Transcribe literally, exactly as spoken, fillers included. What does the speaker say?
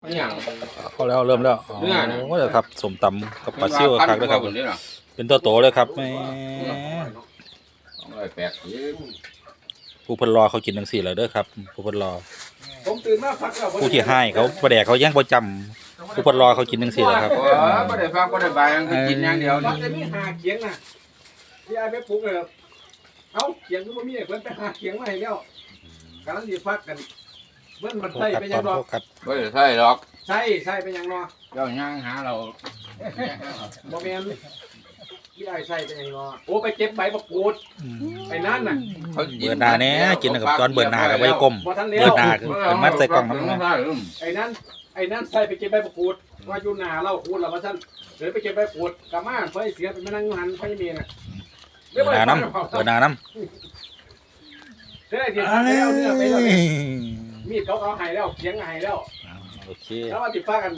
เขาแล้วเริ่มแล้วอ๋อก็จะครับสมตำกับปลาซิ่วครับด้วยครับเป็นตัวโตเลยครับแม่ผู้พลรอเขากินทั้งสี่เลยเด้อครับผู้พลรอผู้ที่ให้เขาประแดกเขาแย่งประจำผู้พลรอเขากินทั้งสี่เลยครับประเดี๋ยวฟังประเดี๋ยวใบคือกินอย่างเดียวนี่จะมีหาเขียงน่ะที่ไอ้ไปปลูกเลยเอ้าเขียงก็ไม่มีเพิ่นไปหาเขียงมาให้แล้วกำลังดีฟักกันเพิ่นมันใส่ไปยังรอไม่ใช่หรอกใส่ใส่ไปยังรอเจ้าย่างหาเราบ่แม่นที่ไอ้ใส่ไปยังรอโอ้ไปเก็บใบมะกรูดไปนั่นน่ะเบื่อหนาเนี่ยกินกับตอนเบื่อหนากับใบกลมเบื่อหนาคือเป็นมัดใส่กล่องมันไอ้นั่นไอ้นั่นใส่ไปเก็บใบมะกรูดว่าอยู่หนาเราคูดแล้วว่าท่านเดี๋ยวไปเก็บใบมะกรูดกลับมาเพื่อเสียไปมานั่งหันไฟเมียน่ะเบื่อหนาน้ำเบื่อหนาน้ำเดี๋ยวเดี๋ยวแล้วเนี่ยไปแล้วมีดเขาเอาหายแล้วเขียงหายแล้วโอเคแล้วมาติดฟ้ากัน